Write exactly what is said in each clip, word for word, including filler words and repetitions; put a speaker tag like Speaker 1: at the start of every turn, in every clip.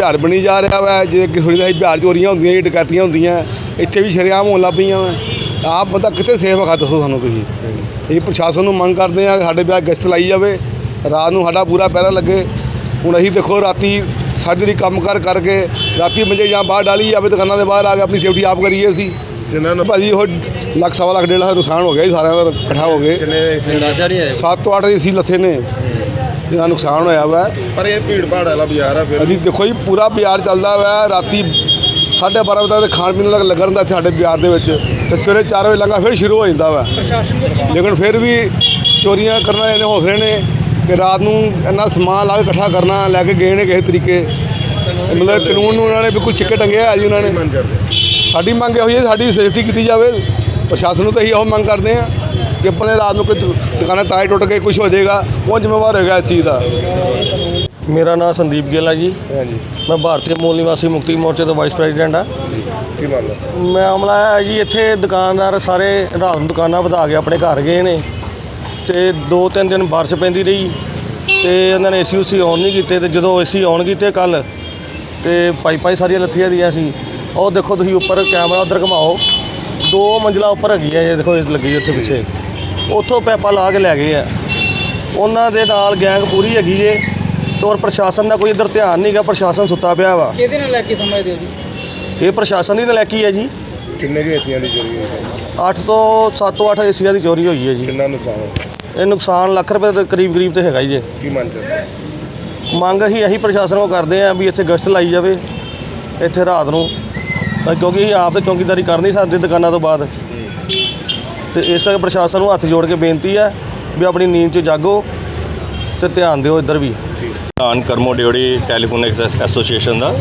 Speaker 1: बिहार बनी जा रहा वै जे कि सुनी बिहार चोरियां होंदियां डकैतियां होंदियां इत्थे भी शरेआम होन लग पईयां वै आप बंदा कित्थे सेफ है दसो सानूं तुसीं ये प्रशासन नूं मंग करदे आ साडे बिहार गश्त लाई जावे रात नूं साडा पूरा पहरा लगे हुण असीं देखो राती सारी दिहाड़ी काम कर करके राती मंजे ਜਾਂ बाहर डाली जावे दुकानां दे बाहर आ के अपनी सेफ्टी आप करिए असीं जिन्हां नूं भाजी ਉਹ ਲੱਖ सवा ਲੱਖ डेढ़ ਲੱਖ नुकसान हो गया जी सारिਆਂ ਦਾ इकट्ठा हो गए
Speaker 2: अंदाजा नहीं है
Speaker 1: सत्त तो अठ ਏਸੀ ਲੱਥੇ ने जिन्ना नुकसान होया वा
Speaker 2: पर ये भीड़ भाड़ वाला बाजार है फिर
Speaker 1: अभी देखो जी पूरा बाजार चलता वा राती साढ़े बारह बजे तक खाण पीण लगा रहा साढ़े बाजार के सवेरे चार बजे लंघा फिर शुरू हो जाता वा लेकिन फिर भी चोरियां करना इन्ने हौसले ने कि रात नूं इन्ना समान ला के इकट्ठा करना लैके गए ने किसी तरीके मतलब कानून नूं उन्होंने बिल्कुल चिक्के टंगे है जी उन्होंने साडी मंग इहो है साडी सेफ्टी की जाए प्रशासन नूं तो असीं इहो मंग करते हैं कि अपने रात को दुकानें ताए टुट के कुछ हो जाएगा कौन जिम्मेवार होगा इस चीज़ का।
Speaker 3: मेरा नाम संदीप गिल है जी
Speaker 2: हाँ जी
Speaker 3: मैं भारतीय मूल निवासी मुक्ति मोर्चे तो वाइस प्रेजिडेंट हाँ
Speaker 2: की मामला
Speaker 3: मामला है जी इत्थे दुकानदार सारे रात नूं दुकानां वधा के अपने घर गए ने ते दो तीन दिन बारिश पैंदी रही ते उन्होंने ए सी उसी ऑन नहीं कीते ते जदों ए सी ऑन कीते कल ते पाइपां सारियां लत्थियां दियां सी और देखो तुसीं उपर कैमरा उधर घुमाओ दो मंजिला उपर हैगी है देखो लगी उत्थे पिछे ਉੱਥੋਂ ਪੈਪਾ ਲਾ ਕੇ ਲੈ ਗਏ ਆ ਉਹਨਾਂ ਦੇ ਨਾਲ ਗੈਂਗ ਪੂਰੀ ਹੈਗੀ ਜੇ ਤੇ ਔਰ ਪ੍ਰਸ਼ਾਸਨ ਦਾ ਕੋਈ ਇੱਧਰ ਧਿਆਨ ਨਹੀਂ ਗਾ ਪ੍ਰਸ਼ਾਸਨ ਸੁੱਤਾ ਪਿਆ ਵਾ
Speaker 4: ਕਿਹਦੇ ਨਾਲ ਲੈ ਕੇ ਸਮਝਦੇ ਹੋ ਜੀ
Speaker 3: ਇਹ ਪ੍ਰਸ਼ਾਸਨ ਦੀ ਨਲਾਇਕੀ ਹੈ ਜੀ
Speaker 2: ਕਿੰਨੇ ਕੁ ਏਸੀਆਂ ਦੀ ਚੋਰੀ ਹੋਈ ਹੈ
Speaker 3: ਅੱਠ ਤੋਂ ਸੱਤ ਤੋਂ ਅੱਠ ਏਸੀਆਂ ਦੀ ਚੋਰੀ ਹੋਈ ਹੈ ਜੀ
Speaker 2: ਕਿੰਨਾ ਨੁਕਸਾਨ ਹੋਇਆ
Speaker 3: ਇਹ ਨੁਕਸਾਨ ਲੱਖ ਰੁਪਏ ਦੇ ਕਰੀਬ ਕਰੀਬ ਤੇ ਹੈਗਾ ਹੀ ਜੇ
Speaker 2: ਕੀ ਮੰਗ ਕਰਦੇ
Speaker 3: ਮੰਗ ਅਸੀਂ ਇਹੀ ਪ੍ਰਸ਼ਾਸਨ ਕੋਲ ਕਰਦੇ ਆਂ ਵੀ ਇੱਥੇ ਗਸ਼ਤ ਲਾਈ ਜਾਵੇ ਇੱਥੇ ਰਾਤ ਨੂੰ ਤਾਂ ਕਿਉਂਕਿ ਅਸੀਂ ਆਪ ਤੇ ਚੌਕੀਦਾਰੀ ਕਰ ਨਹੀਂ ਸਕਦੇ ਦੁਕਾਨਾਂ ਤੋਂ ਬਾਅਦ ਤੇ ਇਸ ਕਰਕੇ ਪ੍ਰਸ਼ਾਸਨ ਨੂੰ ਹੱਥ ਜੋੜ ਕੇ ਬੇਨਤੀ ਹੈ ਵੀ ਆਪਣੀ ਨੀਂਦ 'ਚ ਜਾਗੋ ਤੇ ਧਿਆਨ ਦਿਓ ਇੱਧਰ ਵੀ।
Speaker 5: ਕਿਸਾਨ ਕਰਮੋ ਡਿਓੜੀ ਟੈਲੀਫੋਨ ਐਸੋਸੀਏਸ਼ਨ ਦਾ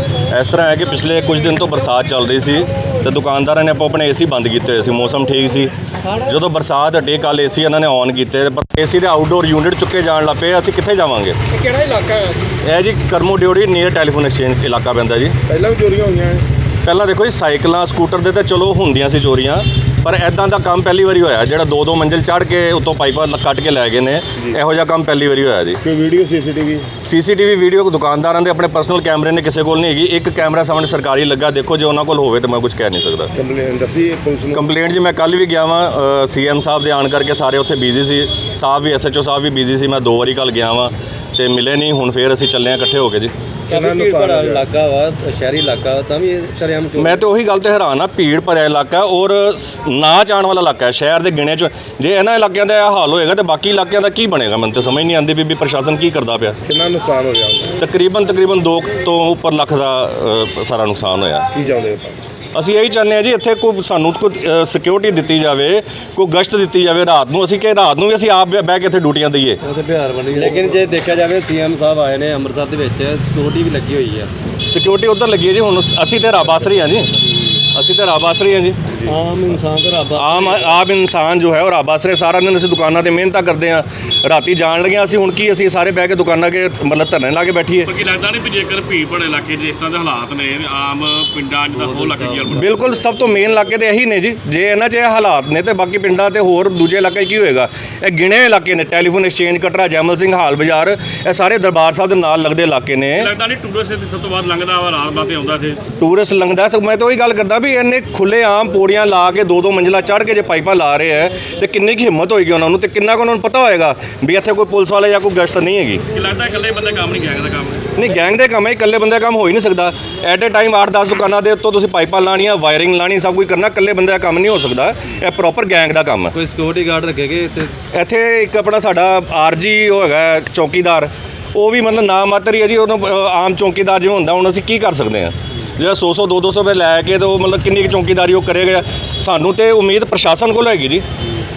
Speaker 5: ਇਸ ਤਰ੍ਹਾਂ ਹੈ ਕਿ ਪਿਛਲੇ ਕੁਝ ਦਿਨ ਤੋਂ ਬਰਸਾਤ ਚੱਲ ਰਹੀ ਸੀ ਤੇ ਦੁਕਾਨਦਾਰਾਂ ਨੇ ਆਪੋ ਆਪਣੇ ਏਸੀ ਬੰਦ ਕੀਤੇ ਹੋਏ ਸੀ ਮੌਸਮ ਠੀਕ ਸੀ ਜਦੋਂ ਬਰਸਾਤ ਹਟੀ ਕੱਲ ਏਸੀ ਇਹਨਾਂ ਨੇ ਔਨ ਕੀਤੇ ਪਰ ਏਸੀ ਦੇ ਆਊਟਡੋਰ ਯੂਨਿਟ ਚੁੱਕੇ ਜਾਣ ਲੱਗ ਪਏ ਅਸੀਂ ਕਿੱਥੇ ਜਾਵਾਂਗੇ।
Speaker 4: ਇਹ ਕਿਹੜਾ ਇਲਾਕਾ ਹੈ
Speaker 5: ਇਹ ਜੀ Karmo Deori near telephone exchange ਇਲਾਕਾ ਪੈਂਦਾ ਜੀ।
Speaker 2: ਪਹਿਲਾਂ ਵੀ ਚੋਰੀਆਂ ਹੋਈਆਂ
Speaker 5: ਪਹਿਲਾਂ ਦੇਖੋ ਜੀ ਸਾਈਕਲਾਂ ਸਕੂਟਰ ਦੇ ਤਾਂ ਚਲੋ ਹੁੰਦੀਆਂ ਸੀ ਚੋਰੀਆਂ ਪਰ ਇੱਦਾਂ ਦਾ ਕੰਮ ਪਹਿਲੀ ਵਾਰੀ ਹੋਇਆ ਜਿਹੜਾ ਦੋ ਦੋ ਮੰਜ਼ਿਲ ਚੜ੍ਹ ਕੇ ਉੱਤੋਂ ਪਾਈਪਾਂ ਕੱਟ ਕੇ ਲੈ ਗਏ ਨੇ ਇਹੋ ਜਿਹਾ ਕੰਮ ਪਹਿਲੀ ਵਾਰੀ ਹੋਇਆ ਜੀ।
Speaker 2: ਕੋਈ ਵੀਡੀਓ ਸੀਸੀਟੀਵੀ
Speaker 5: ਸੀਸੀਟੀਵੀ ਵੀਡੀਓ ਦੁਕਾਨਦਾਰਾਂ ਦੇ ਆਪਣੇ ਪਰਸਨਲ ਕੈਮਰੇ ਨੇ ਕਿਸੇ ਕੋਲ ਨਹੀਂ ਹੈਗੀ ਇੱਕ ਕੈਮਰਾ ਸਾਹਮਣੇ ਸਰਕਾਰੀ ਲੱਗਾ ਦੇਖੋ ਜੇ ਉਹਨਾਂ ਕੋਲ ਹੋਵੇ ਤਾਂ ਮੈਂ ਕੁਝ ਕਹਿ ਨਹੀਂ ਸਕਦਾ।
Speaker 2: ਕੰਪਲੇਂਟ ਦੱਸੀ ਪੁਲਿਸ ਨੂੰ
Speaker 5: ਕੰਪਲੇਂਟ ਜੀ ਮੈਂ ਕੱਲ ਵੀ ਗਿਆ ਵਾਂ ਸੀਐਮ ਸਾਹਿਬ ਦੇ ਆਣ ਕਰਕੇ ਸਾਰੇ ਉੱਥੇ ਬਿਜ਼ੀ ਸੀ ਸਾਹਿਬ ਵੀ ਐਸਐਚਓ ਸਾਹਿਬ ਵੀ ਬਿਜ਼ੀ ਸੀ ਮੈਂ ਦੋ ਵਾਰੀ ਕੱਲ ਗਿਆ ਵਾਂ ਤੇ ਮਿਲੇ ਨਹੀਂ ਹੁਣ ਫੇਰ ਅਸੀਂ ਚੱਲੇ ਆ ਇਕੱਠੇ ਹੋ ਕੇ ਜੀ।
Speaker 2: ਕਿੰਨਾ ਨੁਕਸਾਨ ਹੋਇਆ
Speaker 3: ਇਲਾਕਾ ਵਾ ਸ਼ਹਿਰੀ ਇਲਾਕਾ ਤਾਂ ਵੀ ਸ਼ਰੇਆਮ
Speaker 5: ਮੈਂ ਤਾਂ ਉਹੀ ਗੱਲ ਤੇ ਹੈਰਾਨ ਆ ਭੀੜ ਭਰਿਆ ਇਲਾਕਾ ਔਰ ਨਾ ਜਾਣ ਵਾਲਾ ਇਲਾਕਾ ਹੈ ਸ਼ਹਿਰ ਦੇ ਗਿਣੇ 'ਚ ਜੇ ਇਹਨਾਂ ਇਲਾਕਿਆਂ ਦਾ ਇਹ ਹਾਲ ਹੋਏਗਾ ਤਾਂ ਬਾਕੀ ਇਲਾਕਿਆਂ ਦਾ ਕੀ ਬਣੇਗਾ ਮੈਨੂੰ ਤਾਂ ਸਮਝ ਨਹੀਂ ਆਉਂਦੀ ਵੀ ਪ੍ਰਸ਼ਾਸਨ ਕੀ ਕਰਦਾ ਪਿਆ।
Speaker 2: ਕਿੰਨਾ ਨੁਕਸਾਨ ਹੋ ਗਿਆ
Speaker 5: ਤਕਰੀਬਨ ਤਕਰੀਬਨ ਦੋ ਤੋਂ ਉੱਪਰ ਲੱਖ ਦਾ ਅ, ਸਾਰਾ ਨੁਕਸਾਨ ਹੋਇਆ।
Speaker 2: ਕੀ ਚਾਹੁੰਦੇ ਆਪਾਂ
Speaker 5: ਅਸੀਂ ਇਹੀ ਚਾਹੁੰਦੇ ਹਾਂ ਜੀ ਇੱਥੇ ਕੋਈ ਸਾਨੂੰ ਕੋਈ ਸਿਕਿਉਰਿਟੀ ਦਿੱਤੀ ਜਾਵੇ ਕੋਈ ਗਸ਼ਤ ਦਿੱਤੀ ਜਾਵੇ ਰਾਤ ਨੂੰ ਅਸੀਂ ਕਿ ਰਾਤ ਨੂੰ ਵੀ ਅਸੀਂ ਆਪ ਬਹਿ ਕੇ ਇੱਥੇ ਡਿਊਟੀਆਂ ਦਈਏ।
Speaker 3: ਉੱਥੇ ਬਿਹਾਰ ਬਣੀ ਲੇਕਿਨ ਜੇ ਦੇਖਿਆ ਜਾਵੇ ਸੀਐਮ ਸਾਹਿਬ ਆਏ ਨੇ ਅੰਮ੍ਰਿਤਸਰ ਦੇ ਵਿੱਚ ਸਿਕਿਉਰਿਟੀ ਵੀ ਲੱਗੀ ਹੋਈ ਹੈ
Speaker 5: ਸਿਕਿਉਰਿਟੀ ਉੱਧਰ ਲੱਗੀ ਹੈ ਜੀ ਹੁਣ ਅਸੀਂ ਤੇ ਰੱਬ ਆਸਰੀ ਹਾਂ ਜੀ ਅਸੀਂ ਤੇ ਰੱਬ ਆਸਰੀ ਹਾਂ ਜੀ
Speaker 3: ਆਮ ਇਨਸਾਨ ਤੇ ਰੱਬ
Speaker 5: ਆਮ ਆਮ ਇਨਸਾਨ ਜੋ ਹੈ ਉਹ ਰੱਬ ਆਸਰੇ ਸਾਰਾ ਦਿਨ ਅਸੀਂ ਦੁਕਾਨਾਂ ਤੇ ਮਿਹਨਤਾਂ ਕਰਦੇ ਹਾਂ ਰਾਤੀ ਜਾਣ ਲੱਗਿਆ ਅਸੀਂ ਹੁਣ ਕੀ ਅਸੀਂ ਸਾਰੇ ਬਹਿ ਕੇ ਦੁਕਾਨਾਂ ਕੇ ਮਤਲਬ ਧਰਨੇ ਲਾ ਕੇ ਬੈਠੀਏ।
Speaker 6: ਕੀ ਲੱਗਦਾ ਨਹੀਂ ਵੀ ਜੇਕਰ ਭੀੜ ਭੜੇ ਇਲਾਕੇ ਜਿਸ ਤਰ੍ਹਾਂ ਦੇ ਹਾਲਾਤ ਨੇ ਆਮ ਪਿੰਡਾਂ 'ਚ ਤਾਂ ਹੋਰ ਲੱਗ ਗਿਆ।
Speaker 5: ਬਿਲਕੁਲ ਸਭ ਤੋਂ ਮੇਨ ਇਲਾਕੇ ਤੇ ਇਹੀ ਨੇ ਜੀ ਜੇ ਇਹਨਾਂ 'ਚ ਇਹ ਹਾਲਾਤ ਨੇ ਤੇ ਬਾਕੀ ਪਿੰਡਾਂ ਤੇ ਹੋਰ ਦੂਜੇ ਇਲਾਕੇ ਕੀ ਹੋਏਗਾ। ਇਹ ਗਿਣੇ ਇਲਾਕੇ ਨੇ ਟੈਲੀਫੋਨ ਐਕਸਚੇਂਜ ਕਟਰਾ ਜੈਮਲ ਸਿੰਘ ਹਾਲ ਬਾਜ਼ਾਰ ਇਹ ਸਾਰੇ ਦਰਬਾਰ ਸਾਹਿਬ ਦੇ ਨਾਲ ਲੱਗਦੇ ਇਲਾਕੇ ਨੇ।
Speaker 6: ਲੱਗਦਾ ਨਹੀਂ ਟੂਰਿਸਟ ਸਭ ਤੋਂ ਬਾਅਦ ਲੰਘਦਾ ਵਾ ਰਾਤ ਬਾਤੇ ਆਉਂਦਾ ਇੱਥੇ
Speaker 5: ਟੂਰਿਸਟ ਲੰਘਦਾ ਮੈਂ ਤਾਂ ਉਹੀ ਗੱਲ ਕਰਦਾ ਵੀ ਇਹਨੇ ਖੁੱਲੇ ਆਮ ਪੌੜੀਆਂ ਲਾ ਕੇ ਦੋ ਦੋ ਮੰਜ਼ਿਲਾ ਚੜ੍ਹ ਕੇ ਜੇ ਪਾਈਪਾਂ ਲਾ ਰਹੇ ਹੈ ਤੇ ਕਿੰਨੀ ਕੁ ਹਿੰਮਤ ਹੋਏਗੀ ਉਹਨਾਂ ਨੂੰ ਤੇ ਕਿੰਨਾ ਕੁ ਉਹਨਾਂ ਨੂੰ ਪਤਾ ਹੋਏਗਾ ਵੀ ਇੱਥੇ ਕੋਈ ਪੁਲਿਸ ਵਾਲੇ ਜਾਂ ਕੋਈ ਗਸ਼ਤ ਨਹੀਂ ਹੈਗੀ।
Speaker 6: ਕੀ ਲੱਗਦਾ ਇਕੱਲੇ ਬੰਦੇ ਕੰਮ ਨਹੀਂ ਗੈਂਗ ਦਾ ਕੰਮ
Speaker 5: ਨਹੀਂ ਗੈਂਗ ਦੇ ਕੰਮ ਹੈ ਇਕੱਲੇ ਬੰਦੇ ਦਾ ਕੰਮ ਹੋ ਹੀ ਨਹੀਂ ਸਕਦਾ ਐਟ ਏ ਟਾਈਮ ਅੱਠ ਦਸ ਦੁਕਾਨਾਂ ਦੇ ਉੱਤੋਂ ਤੁਸੀਂ ਪਾਈਪਾਂ ਲਾਣੀਆਂ ਵਾਇਰਿੰਗ ਲਾਣੀ ਸਭ ਕੁਝ ਕਰਨਾ ਇਕੱਲੇ ਬੰਦੇ ਦਾ ਕੰਮ ਨਹੀਂ ਹੋ ਸਕਦਾ ਇਹ ਪ੍ਰੋਪਰ ਗੈਂਗ ਦਾ ਕੰਮ ਹੈ।
Speaker 3: ਕੋਈ ਸਿਕਿਉਰਿਟੀ ਗਾਰਡ ਰੱਖੇਗੇ ਇੱਥੇ
Speaker 5: ਇੱਥੇ ਇੱਕ ਆਪਣਾ ਸਾਡਾ ਆਰਜੀ ਉਹ ਹੈਗਾ ਚੌਕੀਦਾਰ ਉਹ ਵੀ ਮਤਲਬ ਨਾ ਮਾਤਰ ਹੀ ਹੈ ਜੀ ਉਹਨੂੰ ਆਮ ਚੌਕੀਦਾਰ ਜਿਵੇਂ ਹੁੰਦਾ ਹੁਣ ਅਸੀਂ ਕੀ ਕਰ ਸਕਦੇ ਹਾਂ ਜਿਹੜਾ ਸੌ ਸੌ ਦੋ ਦੋ ਸੌ ਰੁਪਏ ਲੈ ਕੇ ਤੇ ਉਹ ਮਤਲਬ ਕਿੰਨੀ ਕੁ ਚੌਕੀਦਾਰੀ ਉਹ ਕਰੇਗਾ ਸਾਨੂੰ ਤੇ ਉਮੀਦ ਪ੍ਰਸ਼ਾਸਨ ਕੋਲ ਹੈਗੀ ਜੀ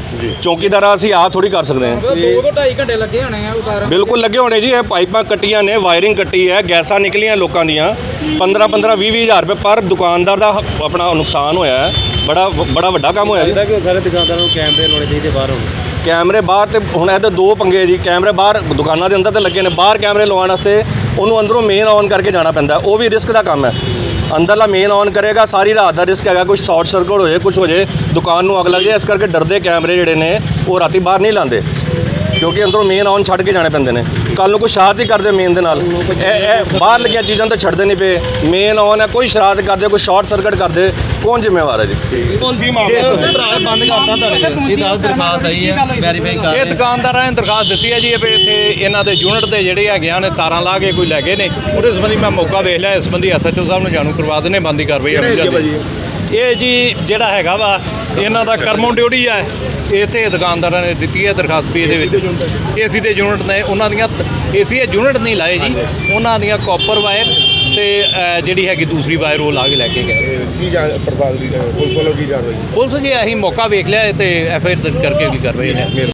Speaker 5: ਚੌਕੀਦਾਰ ਅਸੀਂ ਆਪ ਥੋੜੀ ਕਰ ਸਕਦੇ ਹਾਂ।
Speaker 4: ਦੋ ਤੋਂ ਢਾਈ ਘੰਟੇ ਲੱਗੇ ਹੋਣੇ ਆ ਉਤਾਰਨ
Speaker 5: ਬਿਲਕੁਲ ਲੱਗੇ ਹੋਣੇ ਜੀ ਇਹ ਪਾਈਪਾਂ ਕੱਟੀਆਂ ਨੇ ਵਾਇਰਿੰਗ ਕੱਟੀ ਹੈ ਗੈਸਾਂ ਨਿਕਲੀਆਂ ਲੋਕਾਂ ਦੀਆਂ ਪੰਦਰਾਂ ਪੰਦਰਾਂ ਵੀਹ ਵੀਹ ਹਜ਼ਾਰ ਰੁਪਏ ਪਰ ਦੁਕਾਨਦਾਰ ਦਾ ਆਪਣਾ ਨੁਕਸਾਨ ਹੋਇਆ ਹੈ ਬੜਾ ਬੜਾ ਵੱਡਾ ਕੰਮ ਹੋਇਆ ਜੀ।
Speaker 3: ਕਿ ਸਾਰੇ ਦੁਕਾਨਦਾਰਾਂ ਨੂੰ ਕੈਮਰੇ ਲਾਉਣੇ ਚਾਹੀਦੇ ਬਾਹਰ
Speaker 5: ਕੈਮਰੇ ਬਾਹਰ ਤੇ ਹੁਣ ਇਹਦੇ ਦੋ ਪੰਗੇ ਜੀ ਕੈਮਰੇ ਬਾਹਰ ਦੁਕਾਨਾਂ ਦੇ ਅੰਦਰ ਤੇ ਲੱਗੇ ਨੇ ਬਾਹਰ ਕੈਮਰੇ ਲਵਾਉਣ ਵਾਸਤੇ ਉਹਨੂੰ ਅੰਦਰੋਂ ਮੇਨ ਔਨ ਕਰਕੇ ਜਾਣਾ ਪੈਂਦਾ ਉਹ ਵੀ ਰਿਸਕ ਦਾ ਕੰਮ ਹੈ। ਅੰਦਰਲਾ ਮੇਨ ਔਨ ਕਰੇਗਾ ਸਾਰੀ ਰਾਤ ਦਾ ਰਿਸਕ ਹੈਗਾ ਕੁਝ ਸ਼ਾਰਟ ਸਰਕਟ ਹੋ ਜਾਏ ਕੁਝ ਹੋ ਜਾਏ ਦੁਕਾਨ ਨੂੰ ਅੱਗ ਲੱਗ ਜਾਏ ਇਸ ਕਰਕੇ ਡਰਦੇ ਕੈਮਰੇ ਜਿਹੜੇ ਨੇ ਉਹ ਰਾਤੀ ਬਾਹਰ ਨਹੀਂ ਲਾਉਂਦੇ ਕਿਉਂਕਿ ਅੰਦਰੋਂ ਮੇਨ ਔਨ ਛੱਡ ਕੇ ਜਾਣੇ ਪੈਂਦੇ ਨੇ। ਕੱਲ ਨੂੰ ਕੋਈ ਸ਼ਰਾਰਤ ਹੀ ਕਰਦੇ ਮੇਨ ਦੇ ਨਾਲ ਇਹ ਇਹ ਬਾਹਰ ਲੱਗੀਆਂ ਚੀਜ਼ਾਂ ਤਾਂ ਛੱਡਦੇ ਨਹੀਂ ਪਏ ਮੇਨ ਔਨ ਹੈ ਕੋਈ ਸ਼ਰਾਰਤ ਕਰਦੇ ਕੋਈ ਸ਼ਾਰਟ ਸਰਕਟ ਕਰਦੇ ਕੌਣ ਜ਼ਿੰਮੇਵਾਰ ਹੈ ਜੀ
Speaker 3: ਬੰਦ ਕਰਤਾ ਤੁਹਾਡੇ
Speaker 4: ਇਹ ਦਰਖਾਸਤ ਆਈ ਹੈ ਵੈਰੀਫਾਈ ਕਰ
Speaker 7: ਇਹ ਦੁਕਾਨਦਾਰਾਂ ਨੇ ਦਰਖਾਸਤ ਦਿੱਤੀ ਹੈ ਜੀ ਇਹ ਵੀ ਇੱਥੇ ਇਹਨਾਂ ਦੇ ਯੂਨਿਟ ਦੇ ਜਿਹੜੇ ਹੈਗੇ ਨੇ ਤਾਰਾਂ ਲਾ ਕੇ ਕੋਈ ਲੈ ਗਏ ਨੇ ਉਹਦੇ ਸੰਬੰਧੀ ਮੈਂ ਮੌਕਾ ਵੇਖ ਲਿਆ ਇਸ ਸੰਬੰਧੀ ਐਸਐਚਓ ਸਾਹਿਬ ਨੂੰ ਜਾਣੂ ਕਰਵਾ ਦਿੰਦੇ ਬੰਦੀ ਕਾਰਵਾਈ ਹੋਣੀ ਚਾਹੀਦੀ ਇਹ ਜੀ ਜਿਹੜਾ ਹੈਗਾ ਵਾ ਇਹਨਾਂ ਦਾ ਕਰਮੋਂ ਡਿਊਟੀ ਹੈ ਇੱਥੇ ਦੁਕਾਨਦਾਰਾਂ ਨੇ ਦਿੱਤੀ ਹੈ ਦਰਖਾਸਤ ਵੀ ਇਹਦੇ ਵਿੱਚ ਏਸੀ ਦੇ ਯੂਨਿਟ ਨੇ ਉਹਨਾਂ ਦੀਆਂ ਏਸੀ ਦੇ ਯੂਨਿਟ ਨਹੀਂ ਲਾਏ ਜੀ ਉਹਨਾਂ ਦੀਆਂ ਕਾਪਰ ਵਾਇਰ ਤੇ ਅ, ਜਿਹੜੀ ਹੈਗੀ ਦੂਸਰੀ ਵਾਇਰ ਉਹ ਲਾ ਕੇ ਲੈ ਕੇ ਗਏ
Speaker 2: ਕੀ ਜਾਣ ਪੜਤਾਲ ਦੀ ਪੁਲਿਸ ਵੱਲੋਂ ਕੀ ਕਾਰਵਾਈ
Speaker 7: ਪੁਲਿਸ ਜੀ ਅਸੀਂ ਮੌਕਾ ਵੇਖ ਲਿਆ ਤੇ ਐਫ ਆਈ ਆਰ ਦਰਜ ਕਰਕੇ ਵੀ ਕਰ ਰਹੇ ਨੇ